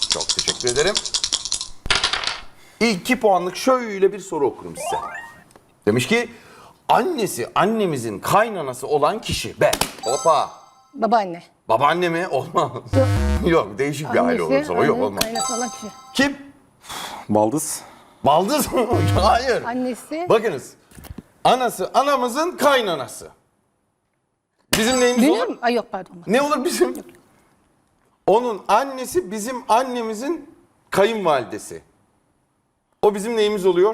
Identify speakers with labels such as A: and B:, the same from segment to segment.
A: Çok teşekkür ederim. İlk 2 puanlık şöyle bir soru okurum size. Demiş ki annesi annemizin kaynanası olan kişi. Ben. Hoppa.
B: Babaanne.
A: Babaanne mi? Olmaz. Yok, değişik bir aile olursa o. Yok,
B: annenin
A: olmaz.
B: kaynası olan kişi.
A: Kim?
C: Baldız.
A: Baldız mı? Hayır.
B: Annesi.
A: Bakınız. Anası anamızın kaynanası. Bizim neyimiz
B: Dünür
A: olur?
B: mü? Ay yok pardon.
A: Ne olur bizim? Onun annesi bizim annemizin kayınvalidesi. O bizim neyimiz oluyor?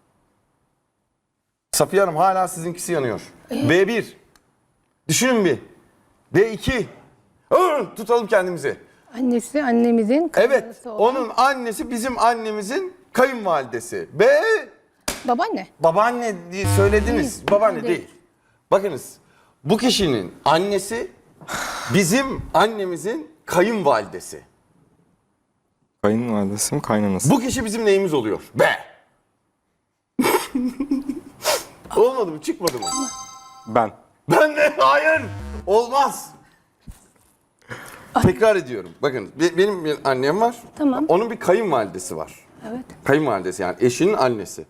A: Safiye Hanım hala sizinkisi yanıyor. B1. Düşünün bir. B2. Tutalım kendimizi.
B: Annesi annemizin kaynanası
A: Evet.
B: olan.
A: Onun annesi bizim annemizin kayınvalidesi. B.
B: Babaanne.
A: Babaanne diye söylediniz.
B: Değil,
A: Babaanne
B: değil.
A: değil. Bakınız. Bu kişinin annesi bizim annemizin kayınvalidesi.
C: Kayınvalidesi mi kaynanası?
A: Bu kişi bizim neyimiz oluyor? B. Olmadı mı? Çıkmadı mı?
C: Ben.
A: Ben de hayır. Olmaz. Tekrar ediyorum. Bakın benim bir annem var.
B: Tamam.
A: Onun bir kayınvalidesi var.
B: Evet.
A: Kayınvalidesi yani eşinin annesi.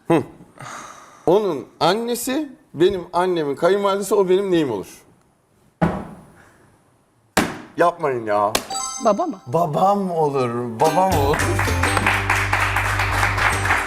A: Onun annesi benim annemin kayınvalidesi, o benim neyim olur? Yapmayın ya.
B: Baba mı?
A: Babam olur. Babam olur.